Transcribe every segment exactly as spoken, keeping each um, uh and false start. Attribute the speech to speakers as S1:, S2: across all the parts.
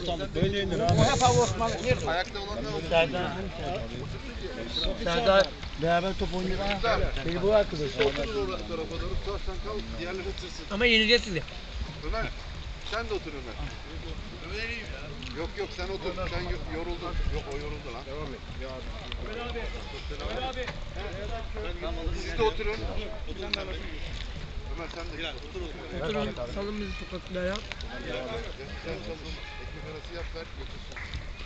S1: Osmanlı böyle inir abi.
S2: O hep abi Osmanlı. Nerede?
S3: Ayakta olanlar olur.
S4: Serdar. Serdar beraber top oynuyor. Beni bu arkadaş.
S3: Otur o tarafa doğru. Tutarsan kal. Diğerleri tırsın.
S2: Ama yeneceğiz sizi.
S3: Ömer. Sen de otur Ömer. Yok yok sen otur. Sen yo- yoruldun. Yok o yoruldu lan. Devam et. Ömer abi. Ömer abi. Siz de oturun. Ömer sen de gel. Otur otur.
S2: Oturun. Salın bizi sokaklara ya.
S3: Sen salın. Ekmek arası yap ver. Götürsün.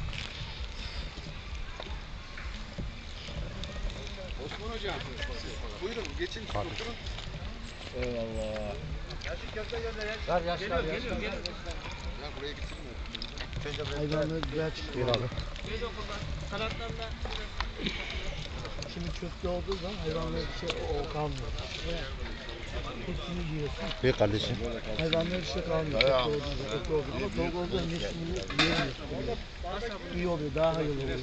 S3: Osman hocam. Buyurun geçin siz oturun.
S1: Eyvallah.
S4: Ver yaşlar yaşlar.
S3: Ya buraya getirme.
S4: Hayvanlar güzel çıkıyor.
S1: Bir abi.
S2: Kanatlarında.
S4: Şimdi köfte olduğu zaman hayvanlar bir şey o kalmıyor. Hepsini yiyorsun.
S1: Bir kardeşim.
S4: Hayvanlar bir şey kalmıyor. Köfte olduğu zaman, köfte olduğu zaman. Ama tavuk olduğu zaman hepsini yiyemiyorsun. İyi oluyor, daha hayırlı oluyor.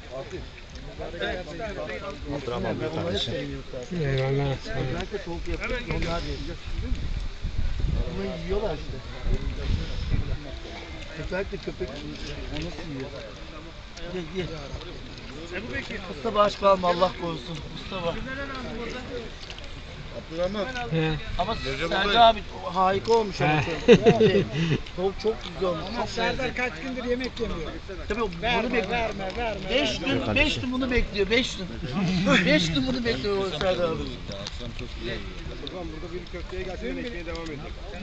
S1: Abdurrahman bir kardeşim.
S2: Eyvallah.
S4: Özellikle tavuk yapıp onlar yiyor. Bunu yiyorlar işte. Özellikle köpek onu nasıl yiyor? Ye ye. Mustafa aç kalma Allah korusun. Mustafa.
S3: Abdurrahman.
S4: Ama
S3: Recep
S4: Serdar
S3: olayım.
S4: abi harika olmuş ama çok. Şey, Tavuk çok güzel olmuş. Çok
S2: Serdar kaç gündür yemek yemiyor.
S4: Tabii bunu
S2: Verme,
S4: bekliyor.
S2: verme, verme.
S4: Beş gün, beş gün bunu bekliyor. Beş gün. Beş gün bunu bekliyor o Serdar abi.
S3: Tamam burada bir köfteye gelsin ekmeğe devam edelim.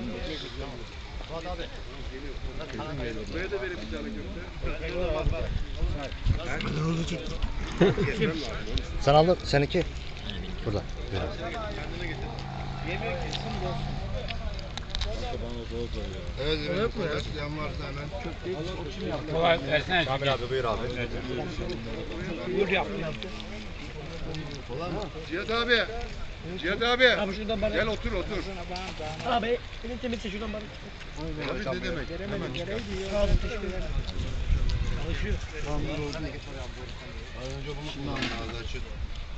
S3: Buraya da verin bir tane köfte.
S1: Sen aldın. Seninki? Burada. Bir abi.
S3: Evet evet. Başlayan varsa hemen.
S2: Kolay versene.
S1: Kamil abi buyur abi.
S2: Buyur yap.
S3: Cihat abi. Cihat abi.
S2: Abi şuradan bana.
S3: Gel otur otur.
S2: Abi elin temizse şuradan bana.
S3: Abi ne demek? Hemen çıkar.
S2: Sağ olun teşekkür ederim. Çalışıyor.
S3: Şimdi ağzı açın.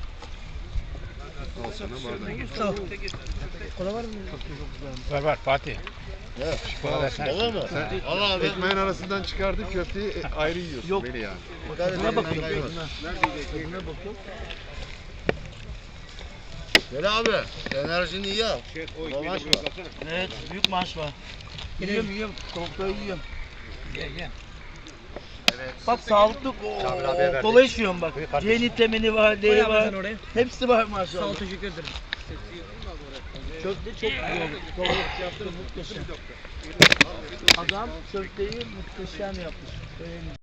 S3: Al sana bardak.
S2: Sağ ol. Kola var mı?
S5: Var var Fatih.
S3: Olur mu? Sen Allah abi. Ekmeğin arasından çıkardık köfteyi e, ayrı yiyorsun.
S4: Yok.
S3: Beni yani.
S4: Buna bakıyorum. Buna bakıyorum.
S3: Gel abi. Enerjini iyi al. Maaş var.
S4: Evet, büyük maaş var. Yiyorum, yiyorum. Tavukları yiyorum.
S2: Gel gel.
S4: Bak sağlıklı
S1: Kamil abiye verdik.
S4: kola içiyorum bak.
S1: Buyur kardeşim.
S4: C vitamini var, D
S2: Koy
S4: var.
S2: abi sen oraya.
S4: Hepsi var
S2: Sağ ol
S4: maşallah.
S2: teşekkür ederim.
S4: Köfte çok güzel oldu. Kola yaptım muhteşem. Adam köfteyi muhteşem yapmış. Beğendim.